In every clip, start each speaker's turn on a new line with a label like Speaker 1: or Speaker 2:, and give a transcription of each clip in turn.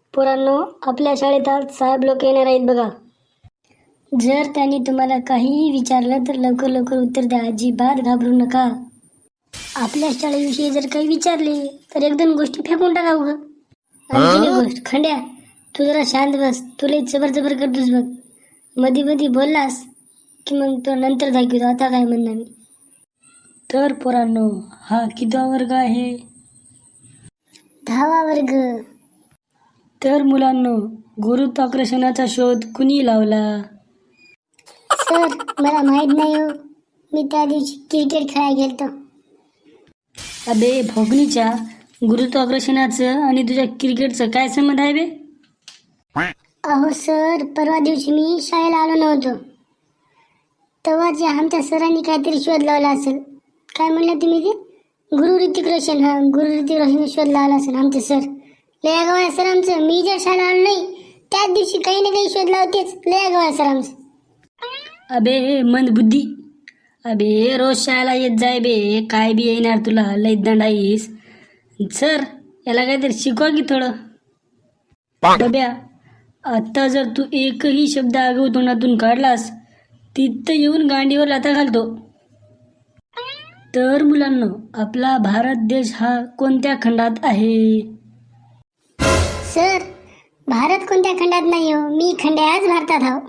Speaker 1: पोरांनो, आपल्या शाळेत आज साहेब लोक येणार आहेत बघा. जर त्यांनी तुम्हाला काहीही विचारलं तर लवकर लवकर उत्तर द्या. अजिबात घाबरू नका. आपल्या शाळेविषयी जर काही विचारले तर एक दोन गोष्टी फेकून टाका उगं. आणखी एक गोष्ट, खंड्या तू जरा शांत बस. तुला जबर जबर करतोस बघ. मध्ये मध्ये बोललास की मग तो नंतर दाखवतो. आता काय म्हणणार मी.
Speaker 2: तर पोरांनो, हा कितवा वर्ग आहे?
Speaker 1: 10वा वर्ग.
Speaker 2: तर मुलांनो, गुरुत्वाकर्षणाचा शोध कुणी लावला?
Speaker 1: सर, मला माहित नाही हो. मी त्या दिवशी क्रिकेट खेळायला गेलतो.
Speaker 2: अबे भोगणीच्या, गुरुत्वाकर्षणाचं आणि तुझ्या क्रिकेटचं काय संबंध आहे बे?
Speaker 1: अहो सर, परवा दिवशी मी शाळेला आलो नव्हतो. तेव्हा जे आमच्या सरांनी काहीतरी शोध लावला असेल. काय म्हणलं तुम्ही ते? गुरु ऋतिक रोशन. हा, गुरु ऋतिक रोशन शोध लावला असेल आमचे सर. लय आगाऊ आहे सर आमचं. मी जर शाळेला आलो नाही त्याच दिवशी काही ना काही शोध लावतेच. लय आगाऊ आहे सर आमचं.
Speaker 2: अबे मंदबुद्धी, अबे रोज शाळेला येत जाय बे. काय बी येणार तुला, लय दंडाईस. सर, याला काहीतरी शिकवा की थोडं. बब्या, आता जर तू एकही शब्द आगाऊ तोंडातून काढलास तिथं येऊन गांडीवर लाथा घालतो. तर मुलांनो, आपला भारत देश हा कोणत्या खंडात आहे?
Speaker 1: सर, भारत कोणत्या खंडात नाही हो. मी खंड्याच भारतात आहो.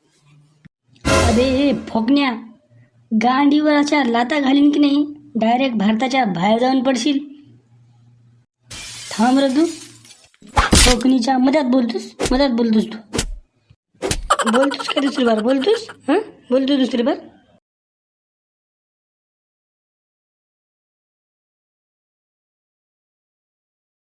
Speaker 2: अबे फोकण्या, गांडीवर अशा लाता घालीन की नाही डायरेक्ट भारताच्या बाहेर जाऊन पडशील. थांब रे तू. फोकणीच्या मध्यात बोलतोस तू. बोलतोस का दुसरी बार? बोलतोस? बोलतो दुसरी बार.